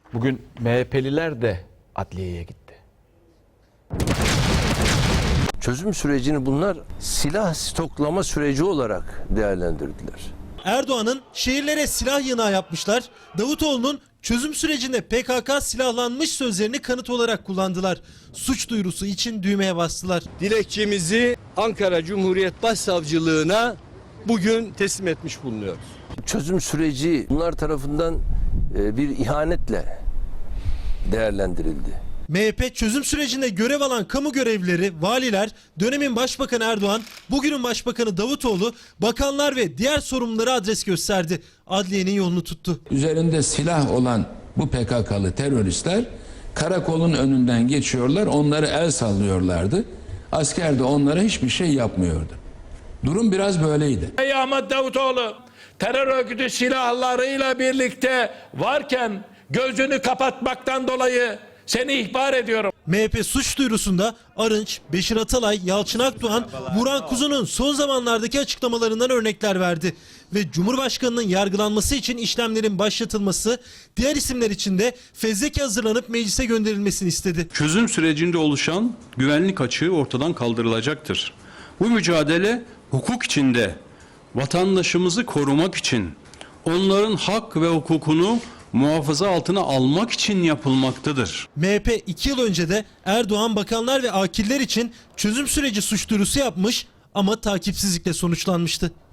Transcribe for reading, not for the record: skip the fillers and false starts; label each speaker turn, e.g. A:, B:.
A: Bugün MHP'liler de adliyeye gitti.
B: Çözüm sürecini bunlar silah stoklama süreci olarak değerlendirdiler.
C: Erdoğan'ın şehirlere silah yığınağı yapmışlar. Davutoğlu'nun çözüm sürecinde PKK silahlanmış sözlerini kanıt olarak kullandılar. Suç duyurusu için düğmeye bastılar.
D: Dilekçemizi Ankara Cumhuriyet Başsavcılığına bugün teslim etmiş bulunuyoruz.
B: Çözüm süreci bunlar tarafından bir ihanetle değerlendirildi.
C: MHP çözüm sürecinde görev alan kamu görevlileri, valiler, dönemin Başbakanı Erdoğan, bugünün Başbakanı Davutoğlu, bakanlar ve diğer sorumlulara adres gösterdi. Adliyenin yolunu tuttu.
E: Üzerinde silah olan bu PKK'lı teröristler karakolun önünden geçiyorlar, onları el sallıyorlardı. Asker de onlara hiçbir şey yapmıyordu. Durum biraz böyleydi.
F: Ey Ahmet Davutoğlu, terör örgütü silahlarıyla birlikte varken gözünü kapatmaktan dolayı seni ihbar ediyorum.
C: MHP suç duyurusunda Arınç, Beşir Atalay, Yalçın Akdoğan, Burhan Kuzu'nun son zamanlardaki açıklamalarından örnekler verdi. Ve Cumhurbaşkanı'nın yargılanması için işlemlerin başlatılması, diğer isimler için de fezleke hazırlanıp meclise gönderilmesini istedi.
G: Çözüm sürecinde oluşan güvenlik açığı ortadan kaldırılacaktır. Bu mücadele hukuk içinde vatandaşımızı korumak için, onların hak ve hukukunu muhafaza altına almak için yapılmaktadır.
C: MHP 2 yıl önce de Erdoğan, bakanlar ve akiller için çözüm süreci suç duyurusu yapmış ama takipsizlikle sonuçlanmıştı.